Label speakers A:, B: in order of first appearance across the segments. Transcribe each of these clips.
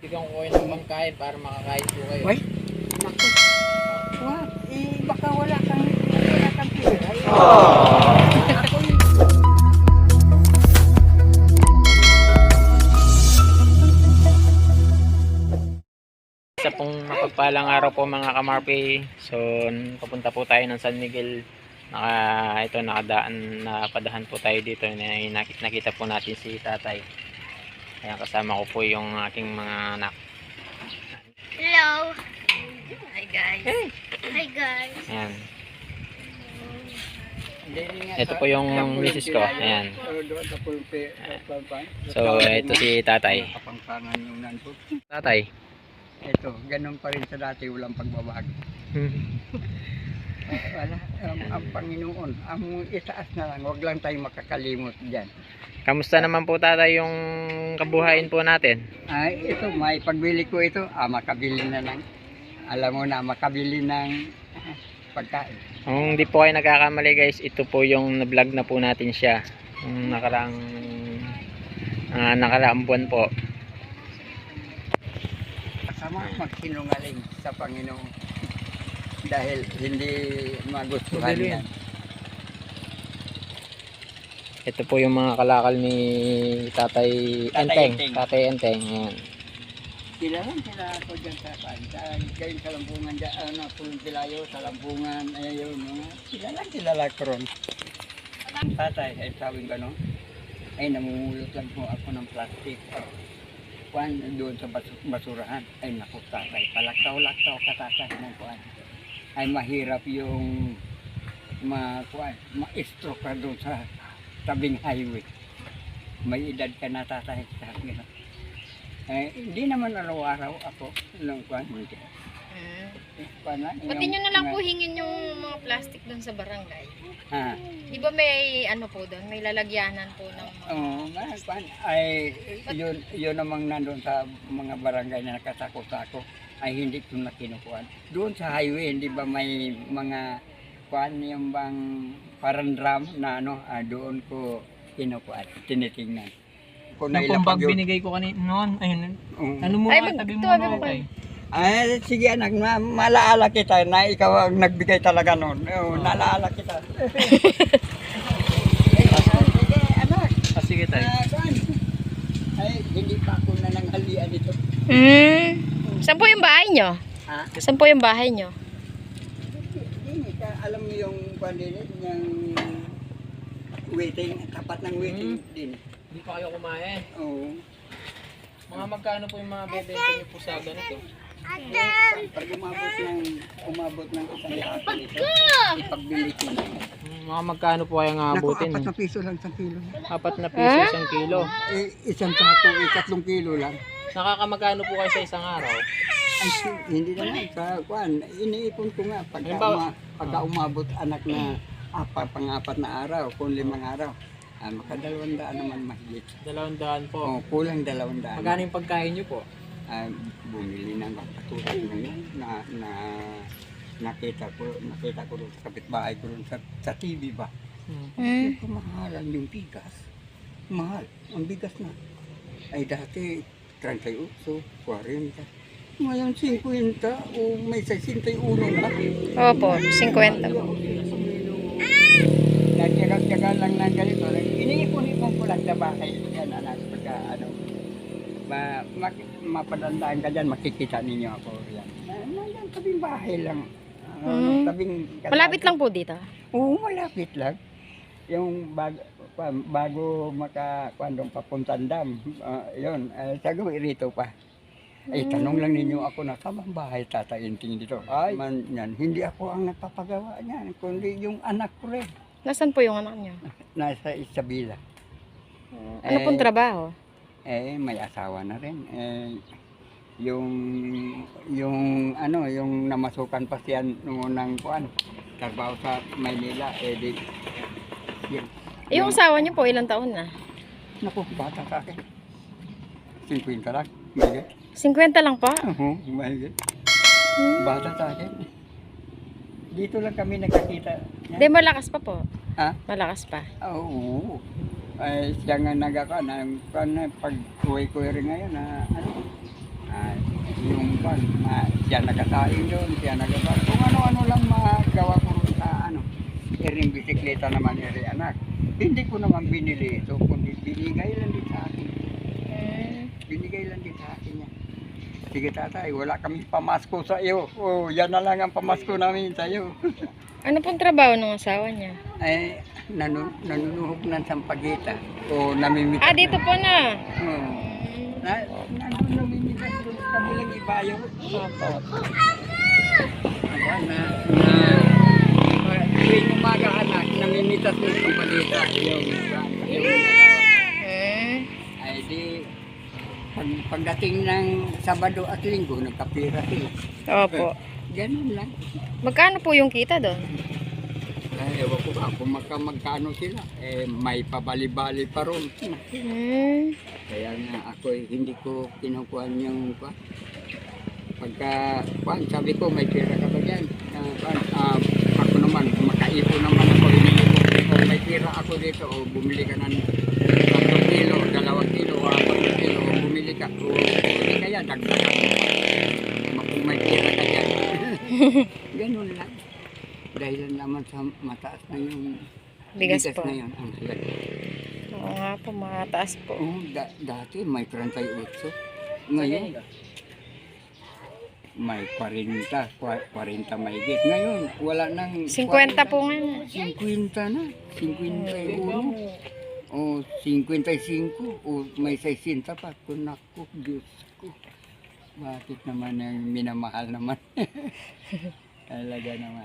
A: Bigyan ko kayo ng pangkain para makakain po kayo.
B: Uy, naku. Wag, baka wala kang pera. Ako yun.
A: Isa pong mapagpalang araw po mga kamarpi. So, papunta po tayo ng San Miguel. Nakadaan na padahan po tayo dito. Nakita po natin si tatay. Ayan, kasama ko po yung aking mga anak.
C: Hello. Hi guys. Hi guys.
A: Ayan. Ito po yung misis ko. Ayan. So, ito si tatay.
B: Kapangpangan yung nandun.
A: Tatay.
B: Ito, ganun pa rin sa dati, walang pagbabago. Wala, ang Panginoon, ang itaas na lang, wag lang tayo makakalimot dyan.
A: Kamusta naman po tatay yung kabuhayin po natin?
B: Ay, ito, may pagbili ko ito, makabili na lang. Alam mo na, makabili ng pagkain.
A: Kung hindi po kayo nagkakamali guys, ito po yung na-vlog na po natin siya. Yung nakaraang buwan po.
B: Kasama magsinungaling sa Panginoon. Dahil hindi magustuhan yan.
A: Ito po yung mga kalakal ni Tatay Enteng.
B: Enteng.
A: Tatay Enteng. Ayan.
B: Sila lang sila ako dyan sa kayo sa Lambungan dyan, Pulong Pilayo, sa Lambungan, ayun, sila lang ron. Tatay, ay sabi ko, no? Ay, namumulot lang po ako ng plastic. Kuan, doon sa basurahan. Ay, naku, tatay, palaktaw-laktaw ka tatay ng kuan. Ay, mahirap yung ma-stroke ka doon sa tabing highway. May edad ka na tatay, sabi ko. Hindi naman araw-araw ako ng kuan.
C: Pati nyo na lang po hingin yung mga plastic doon sa barangay.
B: Ha?
C: Di ba may ano po doon? May lalagyanan po ng mga...
B: Kuan, ay yun namang nandun sa mga barangay na nakasako-sako ay hindi ko na kinukuhan. Doon sa highway, hindi ba may mga kuan yung bang parang drum na doon ko kinukuhan, tinitingnan. Kung
A: Yung bag binigay ko kanina noon. Ayun. Ano mo
C: Ay,
A: tabi mo
C: magtuwabi
A: na
C: mo
A: tay?
B: Ay, sige anak, malaala kita na ikaw ang nagbigay talaga noon. Nalaala kita. Sige anak.
A: Sige tay.
B: Ay, hindi pa ako nananghalian dito.
C: Saan po yung bahay nyo?
B: Ha?
C: Saan po yung bahay nyo?
B: Hindi ka alam mo yung pandinit, yung waiting, tapat ng waiting din.
A: Hindi pa kayo kumain.
B: Oo.
A: Mga magkano po yung mga bebenta niyo po sa ganito?
B: Pag umabot ng isang lihapan ito, ipagbili ko na.
A: Mga magkano po kayang abutin?
B: Naku, 4 na piso lang sa kilo.
A: 4 na piso isang kilo.
B: Isang sako, 3 kilo lang.
A: Nakakamagkano po kayo sa isang araw?
B: Ay, hindi naman sa kuan. Iniipon ko nga pagka umabot anak na pang-4 na araw, kung 5 araw. Maka 200 naman mahigit.
A: 200 po.
B: Kulang 200.
A: Magkano yung pagkain niyo po?
B: Bumili ng katulad ngayon na nakita ko doon sa kapitbahay ko doon sa TV ba. Mahalan yung bigas. Mahal. Ang bigas na. Ay dati 38, 40. Ngayon 50 o may 61 na.
C: Opo, 50 po.
B: Nagtyaga lang ng ganito. Iniipon-ipon ko lang sa bahay. Yan anak. Pagka mapadandaan ka dyan, makikita ninyo ako. Yan. Yan, tabing bahay lang.
C: Malapit lang po dito?
B: Oo, malapit lang. Yung bago makakuandong papuntang dam, yun, sago rito pa. Ay, tanong lang ninyo ako na tamang bahay tatainting dito. Ay, yan, hindi ako ang nagpapagawa niyan, kundi yung anak ko rin.
C: Nasaan po yung anak nyo?
B: Nasa Isabela.
C: Ano pong trabaho?
B: May asawa na rin. Yung namasukan pa siya noong nang kuan, trabaho sa Maynila,
C: Yung asawa nyo po, ilang taon na?
B: naku, bata sa akin. 50 lang, mahigit.
C: 50 lang po?
B: Oo, mahigit. Bata sa akin. Dito lang kami nakakita.
C: Hindi, malakas pa po.
B: Ha?
C: Malakas pa.
B: Oo. Ay, siya nga nagaka na pag uwi ko rin ngayon na kwan, siya nagkasaing doon, siya nagkasaing. Kung ano-ano lang magawa ko rin sa iring bisikleta naman iri anak. Hindi ko naman binili ito, kundi binigay lang din sa akin. Binigay lang din sa akin yan. Sige tatay, wala kaming pamasko sa iyo. Oh, yan na lang ang pamasko namin sa iyo.
C: Ano pong trabaho ng asawa niya?
B: Ay, nanunuhog ng sampagita. O namimitas.
C: Ah, dito po na.
B: Oo. Nandun namimitas doon sa kabilang ibayo. Aba, tuwing umaga anak, namimitas ng sampagita. Ay di, pagdating ng Sabado at Linggo, nagkapira sila.
C: Opo.
B: Ganun lang.
C: Magkano po yung kita doon?
B: Ay, ewan ko ba kung magkano sila. Eh, may pabali-bali pa ron. Kaya nga ako hindi ko kinukuhan yung pagka sabi ko may pera ka ba dyan? Ako naman, makaipo naman ako. Kung may pera ako dito, o bumili ka ng 3 kilo, 2 kilo, 4 kilo, o bumili ka, o bumili kaya, dagdagan mo pa. Kung may pera ka dyan. Ganun lang. Dahil naman sa mataas na yung
C: Bigas po.
B: na yun. Ang halaga.
C: Oo nga po, mataas po.
B: Oo, dati may 38. Ngayon, may 40 mahigit. Ngayon, wala nang
C: 50 po nga na.
B: 50 na. 51. O 55. O may 60 pa. Naku, Diyos ko. Bakit naman yung minamahal naman? Talaga naman.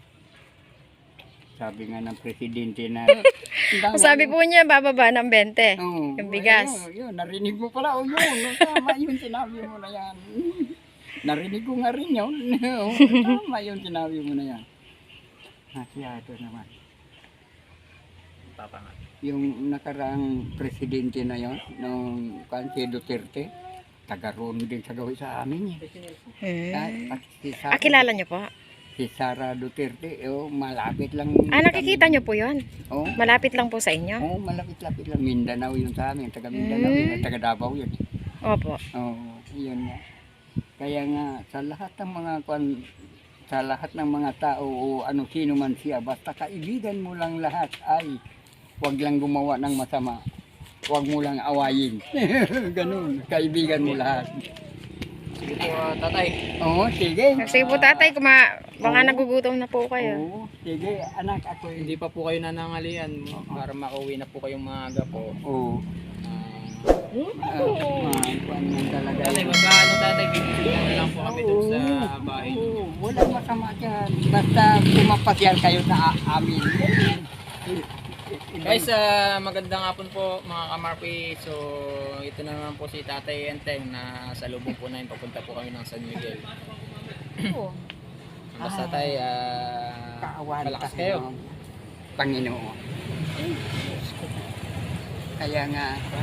B: Sabi nga ng presidente na...
C: Sabi po niya, bababa ng 20.
B: Oo,
C: Yung bigas.
B: Yun, narinig mo pala. O yun, tama yung sinabi mo na yan. Narinig ko nga rin yun. Tama yung sinabi mo na yan. Masyado naman.
A: Papa nga.
B: Yung nakaraang presidente na yun, nung si Duterte, taga-roon din sa gawin sa amin. Si Sara,
C: Kilala niyo po?
B: Si Sara Duterte, malapit lang.
C: Nakikita niyo po yun?
B: Oh,
C: Malapit lang po sa inyo?
B: malapit-lapit lang. Mindanao yun sa amin, taga Mindanao yun, taga Davao yun.
C: Opo.
B: Yun nga. Kaya nga, sa lahat ng mga tao o sino man siya, basta kaibigan mo lang lahat ay huwag lang gumawa ng masama. Huwag mo lang awayin. Ganun, kaibigan mo lahat.
A: Sige po, tatay.
B: Oo, sige.
C: Sige po tatay, baka nagugutom na po kayo.
B: Oo, sige, anak, ako
A: Hindi pa po kayo nanangalian para makauwi na po kayong maaga po.
B: Oo. Talaga.
A: Tatay, magkano tatay, bibigyan na lang po kami dun sa bahay.
B: Oo, walang masama dyan. Basta pumapasyal kayo sa amin.
A: Guys, magandang hapon po mga kamarpi. So, ito na naman po si Tatay Enteng na sa lubong po namin. Papunta po kami ng San Miguel. Basta tayo, malakas kayo.
B: Panginoon. Kaya nga,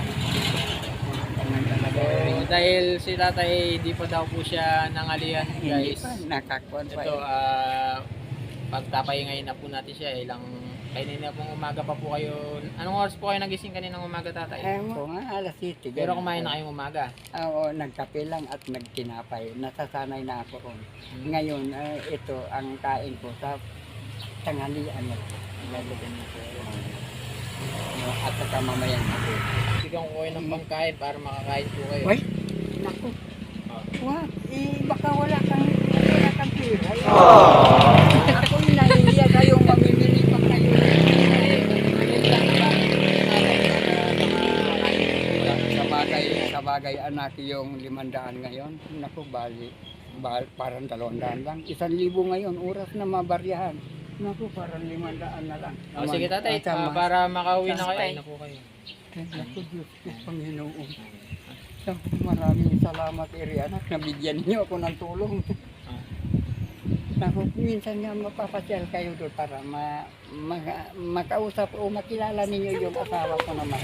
A: So, dahil si Tatay di pa daw po siya nangalian, guys.
B: Nakakuan pa.
A: Ito, pagtapay ngayon na po natin siya. Kanina pong umaga pa po kayo. Anong oras po kayo nagising kaninang umaga, Tatay?
B: Oo nga, alas 7.
A: Pero kumain na kayong umaga.
B: Oo, nagkape lang at nagtinapay. Nasasanay na ako ron. Ngayon, ito ang kain ko sa tanghalian. Lalagyan ko. At saka mamayang ako.
A: Bigyan ko kayo ng pangkain para makakain po kayo.
B: Uy, naku. What? Baka wala kang pera. Ako yung nahihiya kayong mamimili pa kayo. Sa bagay anak yung 500 ngayon. Naku, parang 200 lang. 1,000 ngayon, oras na mabaryahan. Naku, parang 500 na lang.
A: Sige, Tatay, para makauwi na kayo. Na po kayo.
B: Naku, Diyos ko, Panginoon. Naku, maraming salamat, Iri anak. Nabigyan niyo ako ng tulong. Naku, minsan nga mapapasyal kayo doon para makausap o makilala ninyo yung asawa ko naman.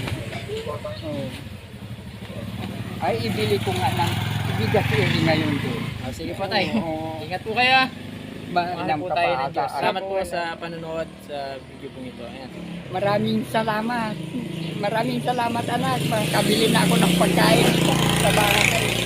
B: Ay, ibili ko nga ng bigas Iri ngayon doon.
A: Sige po, Tay. Ingat po kayo. Mahal po tayo ng Diyos. Salamat po sa panonood sa video pong ito. Ayan.
B: Maraming salamat. Maraming salamat anak. Kabili na ako ng pagkain sa bahay.